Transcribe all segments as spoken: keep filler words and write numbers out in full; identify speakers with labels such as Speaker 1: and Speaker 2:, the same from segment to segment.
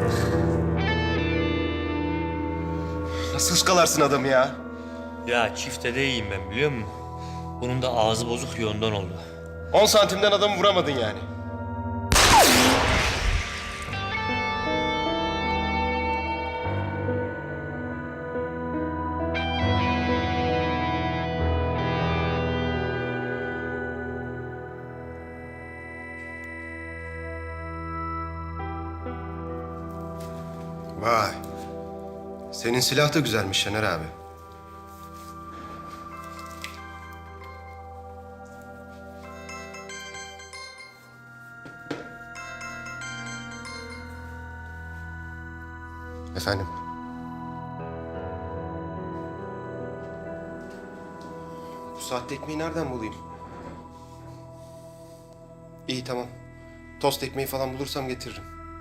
Speaker 1: Nasıl ıskalarsın adamı ya?
Speaker 2: Ya çifte de iyiyim ben, biliyor musun? Bunun da ağzı bozuk ya, ondan oldu.
Speaker 1: On santimden adamı vuramadın yani. Vay. Senin silah da güzelmiş Şener abi. Efendim? Bu saatte ekmeği nereden bulayım? İyi, tamam. Tost ekmeği falan bulursam getiririm.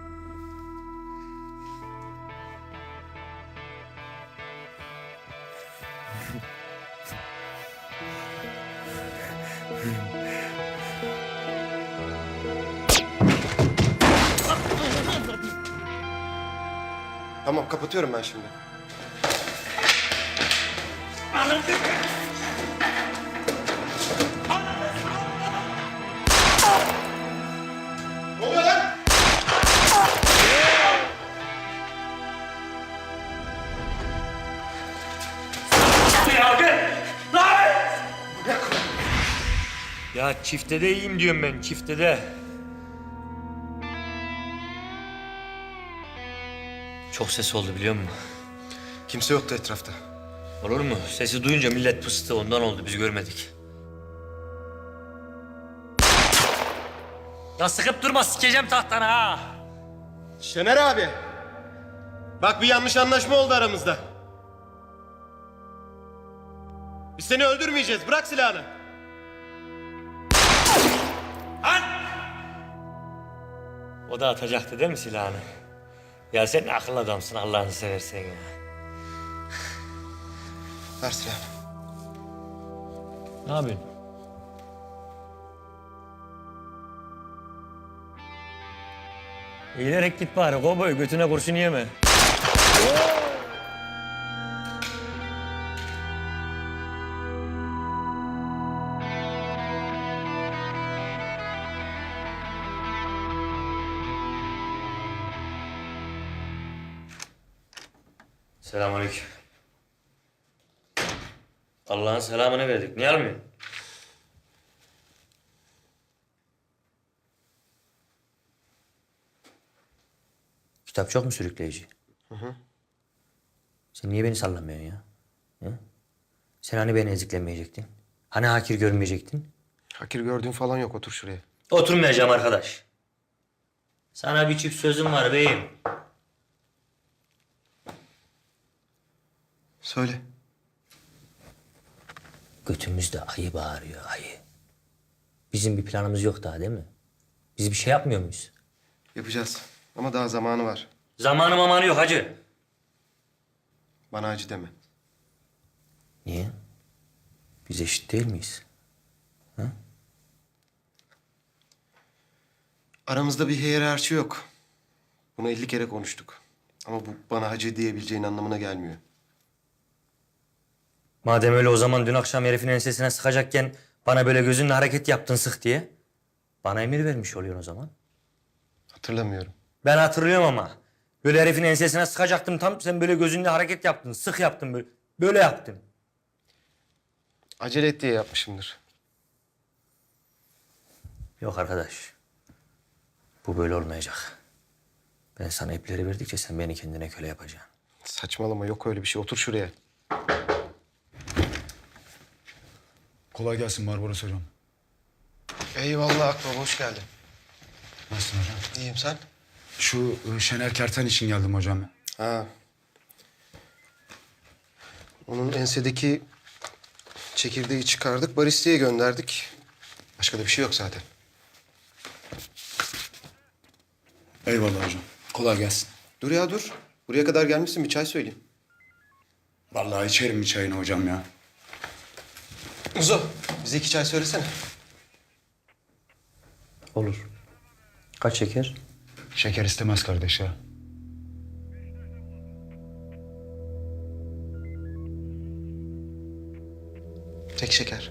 Speaker 1: Tamam, kapatıyorum ben şimdi. Ne oluyor lan?
Speaker 2: Ya çifte de iyiyim diyorum ben, çifte de. Çok ses oldu, biliyor musun?
Speaker 1: Kimse yoktu etrafta.
Speaker 2: Olur mu? Sesi duyunca millet pıstı, ondan oldu, biz görmedik. Ya sıkıp durma, sikeceğim tahtana ha!
Speaker 1: Şener abi. Bak, bir yanlış anlaşma oldu aramızda. Biz seni öldürmeyeceğiz. Bırak silahını.
Speaker 2: O da atacaktı değil mi silahını? Ya sen akıllı adamsın, Allah'ını seversen ya.
Speaker 1: Ver silahını.
Speaker 2: Ne yapıyorsun? Eğilerek git bari, kovboy götüne kurşun yeme. Selamünaleyküm. Allah'ın selamını verdik. Niye almıyorsun? Kitap çok mu sürükleyici? Hı hı. Sen niye beni sallamıyorsun ya? Hı? Sen hani beni eziklemeyecektin? Hani hakir görmeyecektin?
Speaker 1: Hakir gördüğün falan yok. Otur şuraya.
Speaker 2: Oturmayacağım arkadaş. Sana bir çift sözüm var beyim.
Speaker 1: Söyle.
Speaker 2: Götümüzde ayı bağırıyor, ayı. Bizim bir planımız yok daha, değil mi? Biz bir şey yapmıyor muyuz?
Speaker 1: Yapacağız. Ama daha zamanı var.
Speaker 2: Zamanı mamanı yok hacı.
Speaker 1: Bana acı deme.
Speaker 2: Niye? Biz eşit değil miyiz? Ha?
Speaker 1: Aramızda bir hiyerarşi yok. Bunu elli kere konuştuk. Ama bu bana hacı diyebileceğin anlamına gelmiyor.
Speaker 2: Madem öyle, o zaman dün akşam herifin ensesine sıkacakken bana böyle gözünle hareket yaptın sık diye. Bana emir vermiş oluyorsun o zaman.
Speaker 1: Hatırlamıyorum.
Speaker 2: Ben hatırlıyorum ama. Böyle herifin ensesine sıkacaktım tam, sen böyle gözünle hareket yaptın, sık yaptın böyle. Böyle yaptın.
Speaker 1: Acele et diye yapmışımdır.
Speaker 2: Yok arkadaş. Bu böyle olmayacak. Ben sana ipleri verdikçe sen beni kendine köle yapacaksın.
Speaker 1: Saçmalama, yok öyle bir şey. Otur şuraya.
Speaker 3: Kolay gelsin Barbaros hocam.
Speaker 1: Eyvallah Akbaba, hoş geldin.
Speaker 3: Nasılsın hocam?
Speaker 1: İyiyim, sen?
Speaker 3: Şu e, Şener Kerten için geldim hocam.
Speaker 1: Ha. Onun ensedeki çekirdeği çıkardık, baristiye gönderdik. Başka da bir şey yok zaten.
Speaker 3: Eyvallah hocam. Kolay gelsin.
Speaker 1: Dur ya dur. Buraya kadar gelmişsin, bir çay söyleyeyim.
Speaker 3: Vallahi içerim bir çayını hocam ya.
Speaker 1: Uzo, bize iki çay söylesene.
Speaker 2: Olur. Kaç şeker?
Speaker 3: Şeker istemez kardeş ya.
Speaker 1: Tek şeker.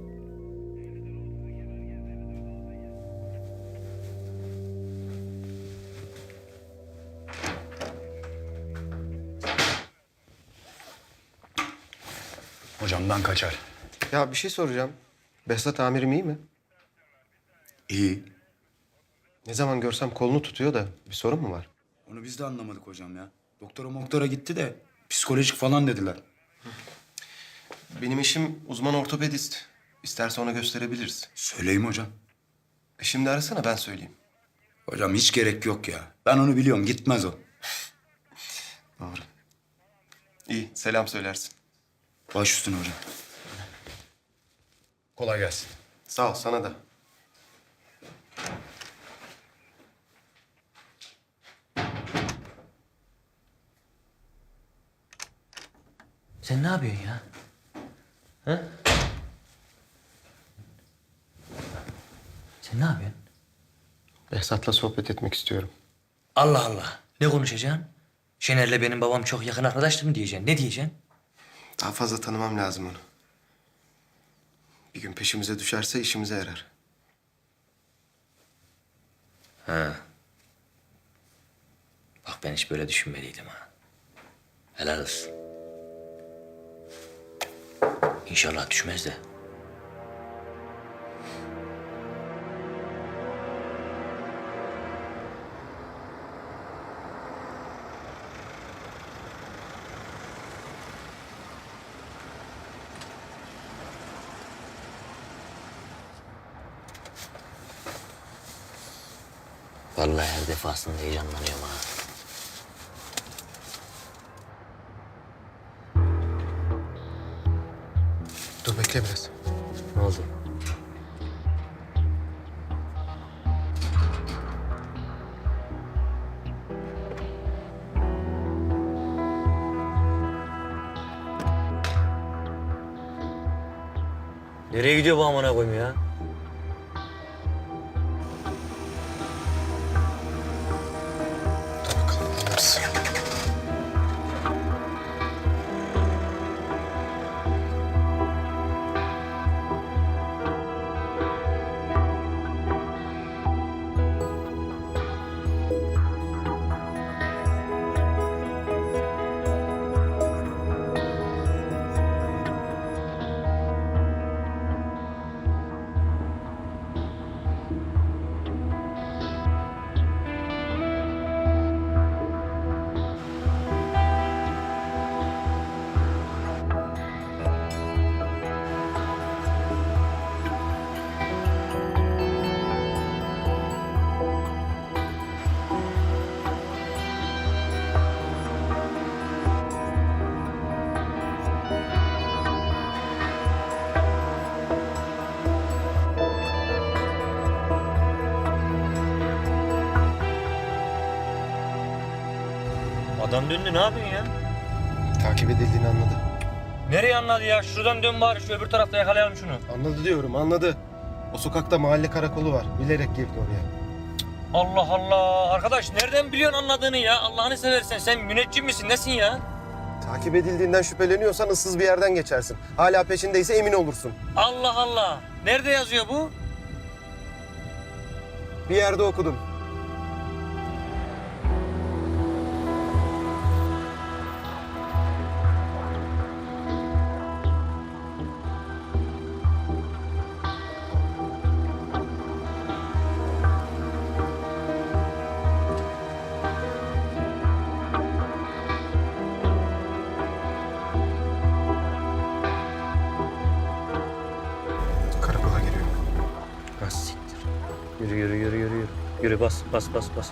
Speaker 3: Hocamdan kaçar.
Speaker 1: Ya bir şey soracağım. Behzat amirim iyi mi?
Speaker 3: İyi.
Speaker 1: Ne zaman görsem kolunu tutuyor da bir sorun mu var?
Speaker 3: Onu biz de anlamadık hocam ya. Doktora moktora gitti de psikolojik falan dediler.
Speaker 1: Benim eşim uzman ortopedist. İsterse ona gösterebiliriz.
Speaker 3: Söyleyeyim hocam.
Speaker 1: E şimdi arasana ben söyleyeyim.
Speaker 3: Hocam hiç gerek yok ya. Ben onu biliyorum, gitmez o.
Speaker 1: Doğru. İyi, selam söylersin.
Speaker 3: Baş üstüne hocam. Kolay gelsin.
Speaker 1: Sağ ol, sana da.
Speaker 2: Sen ne yapıyorsun ya? Ha? Sen ne yapıyorsun?
Speaker 1: Behzat'la sohbet etmek istiyorum.
Speaker 2: Allah Allah. Ne konuşacaksın? Şener'le benim babam çok yakın arkadaştı mı diyeceksin? Ne diyeceksin?
Speaker 1: Daha fazla tanımam lazım onu. Bir gün peşimize düşerse işimize yarar.
Speaker 2: Ha. Bak ben hiç böyle düşünmeliydim ha. Helal olsun. İnşallah düşmez de. Vallahi her defasında heyecanlanıyorum ha.
Speaker 1: Dur bekle biraz.
Speaker 2: Ne oldu? Nereye gidiyor bu amına koyayım ya?
Speaker 1: Dur bakalım anlarız.
Speaker 2: Adam döndü, ne yapıyorsun ya?
Speaker 1: Takip edildiğini anladı.
Speaker 2: Nereye anladı ya? Şuradan dön bari, şu öbür tarafta yakalayalım şunu.
Speaker 1: Anladı diyorum, anladı. O sokakta mahalle karakolu var. Bilerek girdi oraya.
Speaker 2: Allah Allah! Arkadaş nereden biliyorsun anladığını ya? Allah'ını seversen sen müneccim misin, nesin ya?
Speaker 1: Takip edildiğinden şüpheleniyorsan ıssız bir yerden geçersin. Hala peşindeyse emin olursun.
Speaker 2: Allah Allah! Nerede yazıyor bu?
Speaker 1: Bir yerde okudum. Karakola giriyor.
Speaker 2: Nasıl siktir? Yürü yürü yürü yürü yürü. Yürü bas bas bas bas.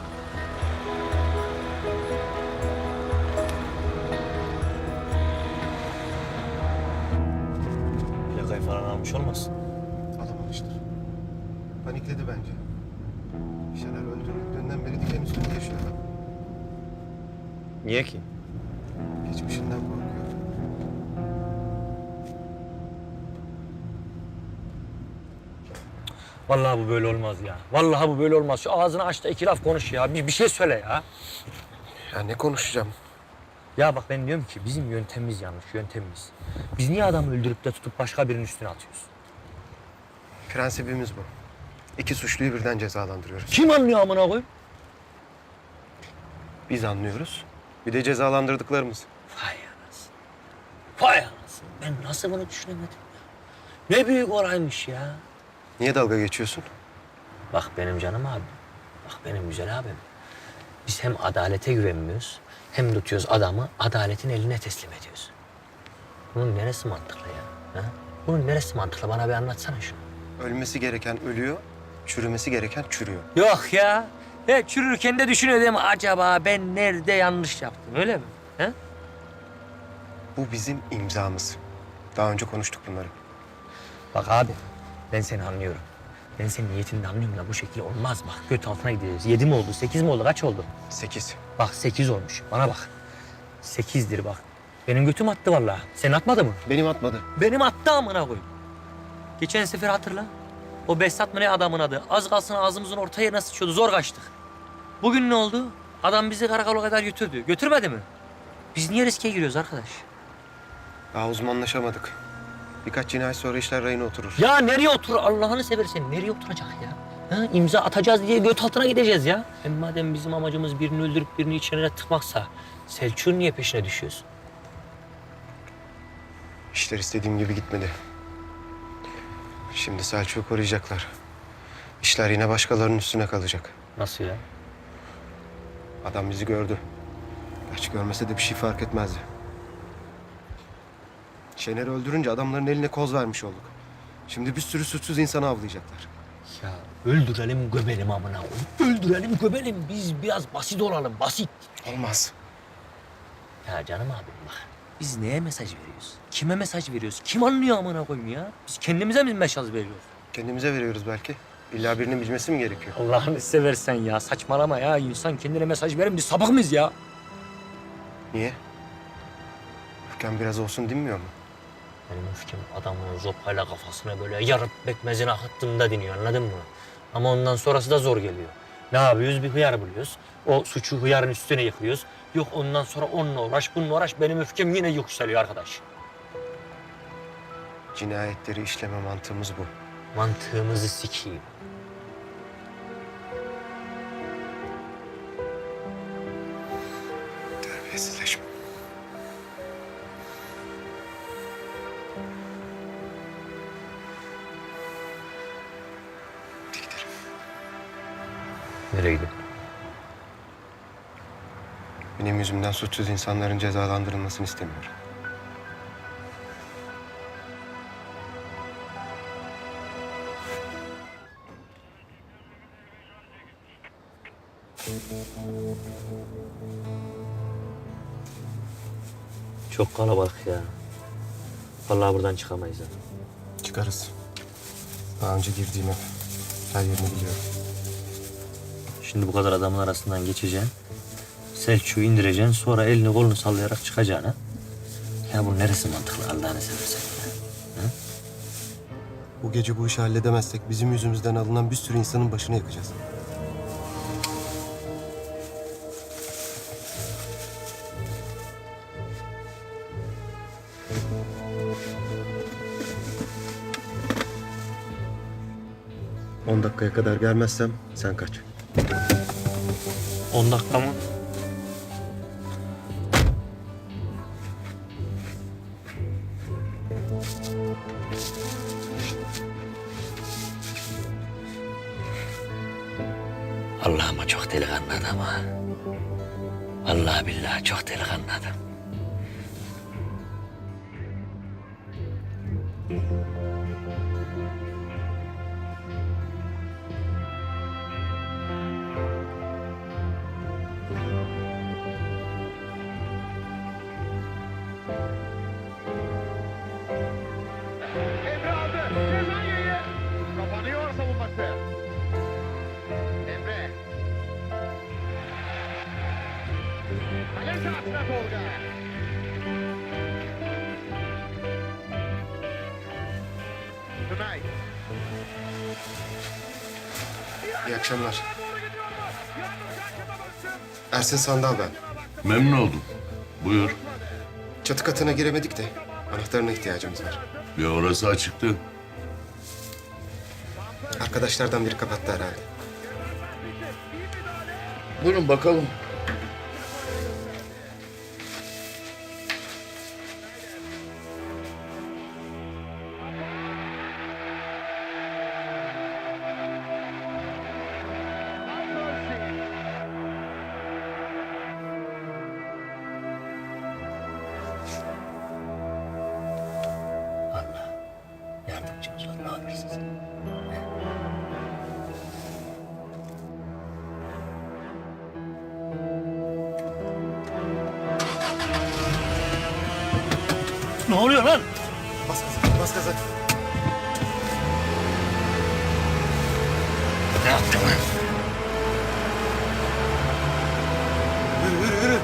Speaker 2: Plakayı falan almış olmasın?
Speaker 1: Alamamıştır. Panikledi bence. Şener öldürüldüğünden beri diken üstünde yaşıyor adam.
Speaker 2: Niye ki?
Speaker 1: Geçmişinden korkuyor.
Speaker 2: Vallahi bu böyle olmaz ya. Vallahi bu böyle olmaz. Şu ağzını aç da iki laf konuş ya. Bir, bir şey söyle ya.
Speaker 1: Ya ne konuşacağım?
Speaker 2: Ya bak ben diyorum ki bizim yöntemimiz yanlış, yöntemimiz. Biz niye adamı öldürüp de tutup başka birinin üstüne atıyoruz?
Speaker 1: Prensibimiz bu. İki suçluyu birden cezalandırıyoruz.
Speaker 2: Kim anlıyor amına koyayım?
Speaker 1: Biz anlıyoruz. Bir de cezalandırdıklarımız.
Speaker 2: Vay anasını. Vay anasını. Ben nasıl bunu düşünemedim ya? Ne büyük olaymış ya.
Speaker 1: Niye dalga geçiyorsun?
Speaker 2: Bak benim canım abim. Bak benim güzel abim. Biz hem adalete güvenmiyoruz hem tutuyoruz adamı adaletin eline teslim ediyoruz. Bunun neresi mantıklı ya? Ha? Bunun neresi mantıklı? Bana bir anlatsana şunu.
Speaker 1: Ölmesi gereken ölüyor, çürümesi gereken çürüyor.
Speaker 2: Yok ya. He, çürürken de düşünüyordum acaba ben nerede yanlış yaptım öyle mi? He?
Speaker 1: Bu bizim imzamız. Daha önce konuştuk bunları.
Speaker 2: Bak abi ben seni anlıyorum. Ben senin niyetini de anlıyorum da bu şekilde olmaz bak. Göt altına gideceğiz. Yedi mi oldu, sekiz mi oldu, kaç oldu?
Speaker 1: Sekiz.
Speaker 2: Bak sekiz olmuş. Bana bak. Sekizdir bak. Benim götüm attı vallahi. Senin atmadı mı?
Speaker 1: Benim atmadı.
Speaker 2: Benim attı amına koyayım. Geçen sefer hatırla. O Behzat mı ne adamın adı? Az kalsın ağzımızın orta yerine sıçıyordu. Zor kaçtık. Bugün ne oldu? Adam bizi karakola kadar götürdü. Götürmedi mi? Biz niye riske giriyoruz arkadaş?
Speaker 1: Daha uzmanlaşamadık. Birkaç cinayet sonra işler rayına oturur.
Speaker 2: Ya nereye otur? Allah'ını seversen nereye oturacak ya? Ha, imza atacağız diye göt altına gideceğiz ya. Hem madem bizim amacımız birini öldürüp birini içine tıkmaksa Selçuk'un niye peşine düşüyoruz?
Speaker 1: İşler istediğim gibi gitmedi. Şimdi Selçuk'u koruyacaklar. İşler yine başkalarının üstüne kalacak.
Speaker 2: Nasıl ya?
Speaker 1: Adam bizi gördü. Gerçi görmese de bir şey fark etmezdi. Şener'i öldürünce adamların eline koz vermiş olduk. Şimdi bir sürü suçsuz insanı avlayacaklar.
Speaker 2: Ya öldürelim göbelim amına koyayım. Öldürelim göbelim. Biz biraz basit olalım basit.
Speaker 1: Olmaz.
Speaker 2: Ya canım abim bak. Biz neye mesaj veriyoruz? Kime mesaj veriyoruz? Kim anlıyor amına koyayım ya? Biz kendimize mi mesaj veriyoruz?
Speaker 1: Kendimize veriyoruz belki. İlla birinin bilmesi mi gerekiyor?
Speaker 2: Allah'ını seversen ya. Saçmalama ya. İnsan kendine mesaj verir mi? Biz sapık mıyız ya?
Speaker 1: Niye? Öfken biraz olsun dinmiyor mu?
Speaker 2: Benim öfkem adamın zopayla kafasına böyle yarıp bekmezini akıttığımda diniyor anladın mı? Ama ondan sonrası da zor geliyor. Ne yapıyoruz? Bir hıyar buluyoruz. O suçu hıyarın üstüne yıkıyoruz. Yok ondan sonra onunla uğraş, bununla uğraş. Benim öfkem yine yükseliyor arkadaş.
Speaker 1: Cinayetleri işleme mantığımız bu.
Speaker 2: Mantığımızı sikeyim.
Speaker 1: Terbiyesizleşme. Hadi gidelim.
Speaker 2: Nereye gidiyorsun?
Speaker 1: Benim yüzümden suçsuz insanların cezalandırılmasını istemiyorum.
Speaker 2: Çok kalabalık ya. Vallahi buradan çıkamayız ha.
Speaker 1: Çıkarız. Daha önce girdiğim ev. Her yerini biliyorum.
Speaker 2: Şimdi bu kadar adamın arasından geçeceksin. Selçuk'u indireceksin. Sonra elini kolunu sallayarak çıkacaksın ha. Ya bu neresi mantıklı Allah'ını seversen ya.
Speaker 1: Bu gece bu işi halledemezsek bizim yüzümüzden alınan bir sürü insanın başını yakacağız. On dakikaya kadar gelmezsem sen kaç.
Speaker 2: On dakika mı? Allah'ıma çok delikanlı adam ha. Vallahi billahi çok delikanlı adam.
Speaker 4: Emre aldı. Cezayir'i. Kapanıyor savunması. Emre. Kale sahasına Tolga. Tonight.
Speaker 1: İyi akşamlar. Ersin Sandal ben.
Speaker 5: Memnun oldum. Buyur.
Speaker 1: Çatı katına giremedik de anahtarına ihtiyacımız var.
Speaker 5: Bir orası açıktı.
Speaker 1: Arkadaşlardan biri kapattı herhalde.
Speaker 5: Buyurun bakalım.
Speaker 2: Allah yardımcımız ol. Ne olursun. Ne oluyor lan?
Speaker 1: Bas gaza, bas gaza.
Speaker 2: Ne yaptın lan?
Speaker 1: Yürü, yürü, yürü.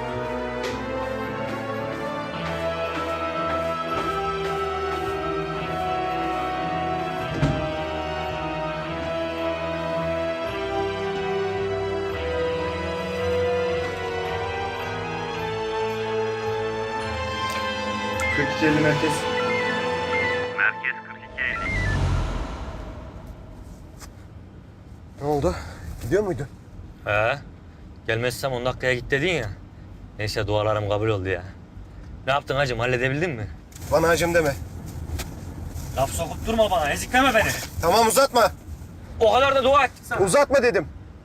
Speaker 3: kırk iki elli merkez.
Speaker 1: Ne oldu? Gidiyor muydu?
Speaker 2: He. Gelmezsem on dakikaya git dedin ya. Neyse dualarım kabul oldu ya. Ne yaptın hacım, halledebildin mi?
Speaker 1: Bana hacım deme.
Speaker 2: Laf sokup durma bana, ezikleme beni.
Speaker 1: Tamam uzatma.
Speaker 2: O kadar da dua ettik sana.
Speaker 1: Uzatma dedim.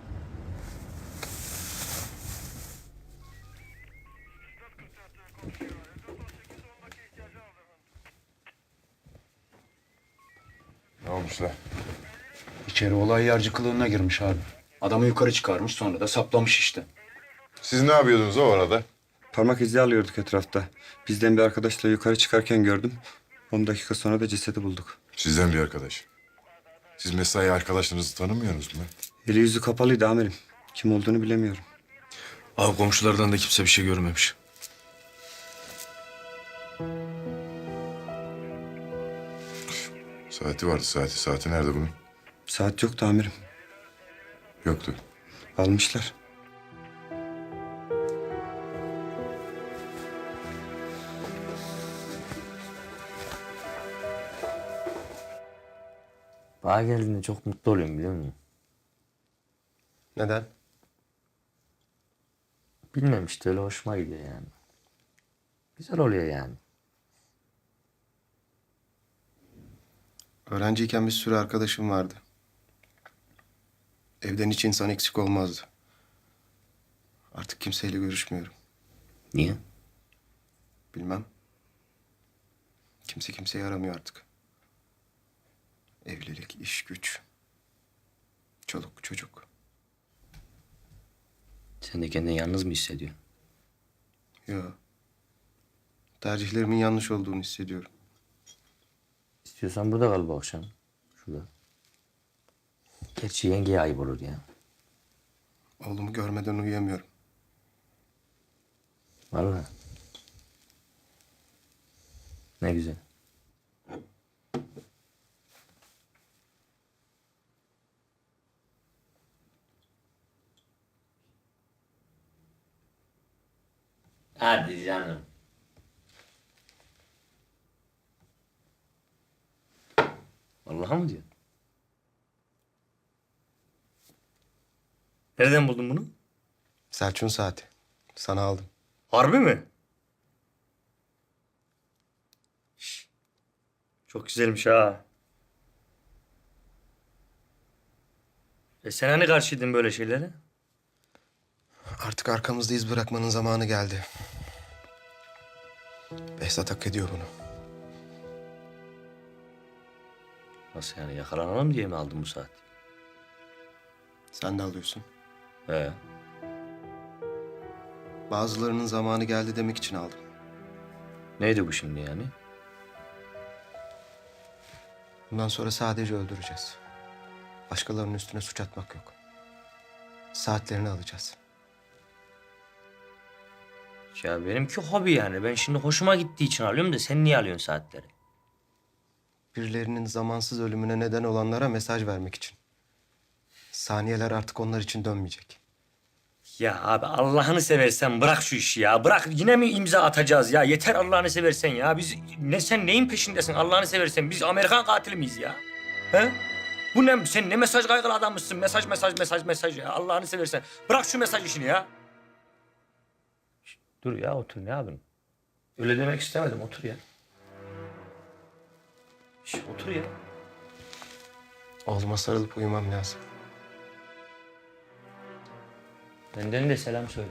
Speaker 6: Ne olmuş lan?
Speaker 3: İçeri olay yerci kılığına girmiş abi. Adamı yukarı çıkarmış sonra da saplamış işte.
Speaker 6: Siz ne yapıyordunuz o arada?
Speaker 7: Parmak izi alıyorduk etrafta. Bizden bir arkadaşla yukarı çıkarken gördüm. On dakika sonra da cesedi bulduk.
Speaker 6: Sizden bir arkadaş. Siz mesai arkadaşlarınızı tanımıyorsunuz mu?
Speaker 7: Eli yüzü kapalıydı amirim. Kim olduğunu bilemiyorum.
Speaker 8: Abi komşulardan da kimse bir şey görmemiş.
Speaker 6: Saati vardı saati. Saati nerede bunun?
Speaker 7: Saat yoktu amirim.
Speaker 6: Yoktu.
Speaker 7: Almışlar.
Speaker 2: Bana geldiğinde çok mutlu oluyorum biliyor musun?
Speaker 1: Neden?
Speaker 2: Bilmem işte, öyle hoşuma gidiyor yani. Güzel oluyor yani.
Speaker 1: Öğrenciyken bir sürü arkadaşım vardı. Evden hiç insan eksik olmazdı. Artık kimseyle görüşmüyorum.
Speaker 2: Niye?
Speaker 1: Bilmem. Kimse kimseyi aramıyor artık. Evlilik, iş, güç. Çoluk, çocuk.
Speaker 2: Sen de kendini yalnız mı hissediyorsun?
Speaker 1: Yo. Tercihlerimin yanlış olduğunu hissediyorum.
Speaker 2: İstiyorsan burada kal bu akşam. Şurada. Gerçi yengeye ayıp olur ya.
Speaker 1: Oğlumu görmeden uyuyamıyorum.
Speaker 2: Vallahi. Ne güzel. Hadi canım. Vallahi mı diyor? Nereden buldun bunu?
Speaker 1: Selçuk'un saati. Sana aldım.
Speaker 2: Harbi mi? Şş, çok güzelmiş ha. E sen hani karşıydın böyle şeylere?
Speaker 1: Artık arkamızda iz bırakmanın zamanı geldi. Behzat hak ediyor bunu.
Speaker 2: Nasıl yani, yakalanalım diye mi aldın bu saat?
Speaker 1: Sen de alıyorsun.
Speaker 2: He.
Speaker 1: Bazılarının zamanı geldi demek için aldım.
Speaker 2: Neydi bu şimdi yani?
Speaker 1: Bundan sonra sadece öldüreceğiz. Başkalarının üstüne suç atmak yok. Saatlerini alacağız.
Speaker 2: Ya benimki hobi yani. Ben şimdi hoşuma gittiği için alıyorum da sen niye alıyorsun saatleri?
Speaker 1: Birilerinin zamansız ölümüne neden olanlara mesaj vermek için. Saniyeler artık onlar için dönmeyecek.
Speaker 2: Ya abi Allah'ını seversen bırak şu işi ya. Bırak yine mi imza atacağız ya? Yeter Allah'ını seversen ya. Biz ne sen neyin peşindesin Allah'ını seversen? Biz Amerikan katili miyiz ya? He? Bu ne? Sen ne mesaj kaygılı adammışsın? Mesaj mesaj mesaj mesaj ya. Allah'ını seversen. Bırak şu mesaj işini ya. Şişt, dur ya otur ne yapayım? Öyle demek istemedim otur ya. Şişt, otur ya.
Speaker 1: Oğluma sarılıp uyumam lazım.
Speaker 2: Benden de selam söyle.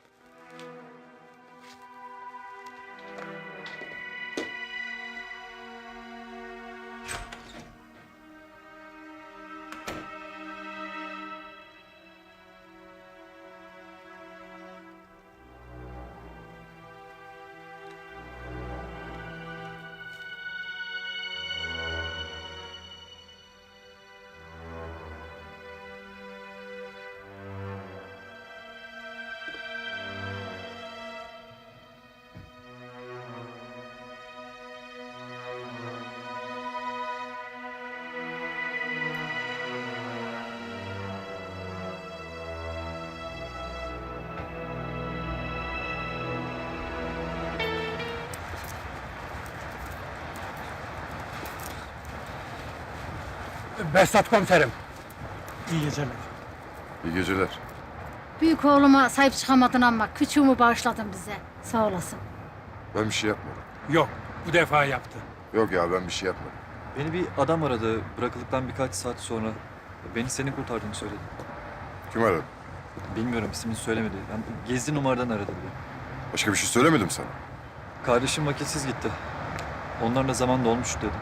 Speaker 4: Behzat komiserim.
Speaker 6: İyi geceler.
Speaker 9: Büyük oğluma sahip çıkamadın ama küçüğümü bağışladın bize. Sağ olasın.
Speaker 6: Ben bir şey yapmadım.
Speaker 4: Yok, bu defa yaptı.
Speaker 6: Yok ya ben bir şey yapmadım.
Speaker 10: Beni bir adam aradı. Bırakıldıktan birkaç saat sonra. Beni senin kurtardığını söyledi.
Speaker 6: Kim aradı?
Speaker 10: Bilmiyorum, ismini söylemedi. Yani gizli numaradan aradı bile.
Speaker 6: Başka bir şey söylemedim sana.
Speaker 10: Kardeşim vakitsiz gitti. Onlarla zaman dolmuş dedi.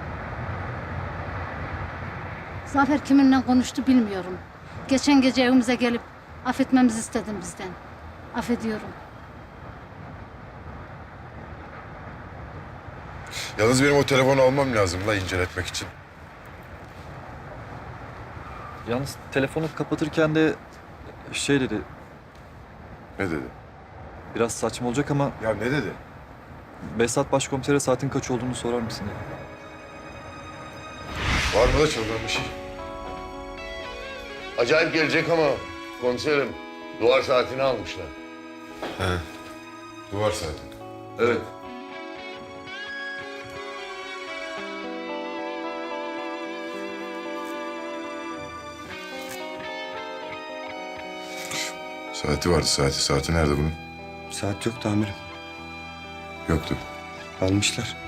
Speaker 9: Zafer kiminle konuştu bilmiyorum. Geçen gece evimize gelip affetmemizi istedin bizden. Affediyorum.
Speaker 6: Yalnız benim o telefonu almam lazım la inceletmek için.
Speaker 10: Yalnız telefonu kapatırken de şey dedi.
Speaker 6: Ne dedi?
Speaker 10: Biraz saçma olacak ama
Speaker 6: Ya ne dedi?
Speaker 10: Behzat başkomisere saatin kaç olduğunu sorar mısın dedi.
Speaker 6: Var mı da çılgın bir şey?
Speaker 5: Acayip gelecek ama komiserim duvar saatini almışlar.
Speaker 6: He. Duvar saati.
Speaker 5: Evet.
Speaker 6: Saati vardı saati. Saati nerede bunun?
Speaker 7: Saat yok amirim.
Speaker 6: Yoktu.
Speaker 7: Almışlar.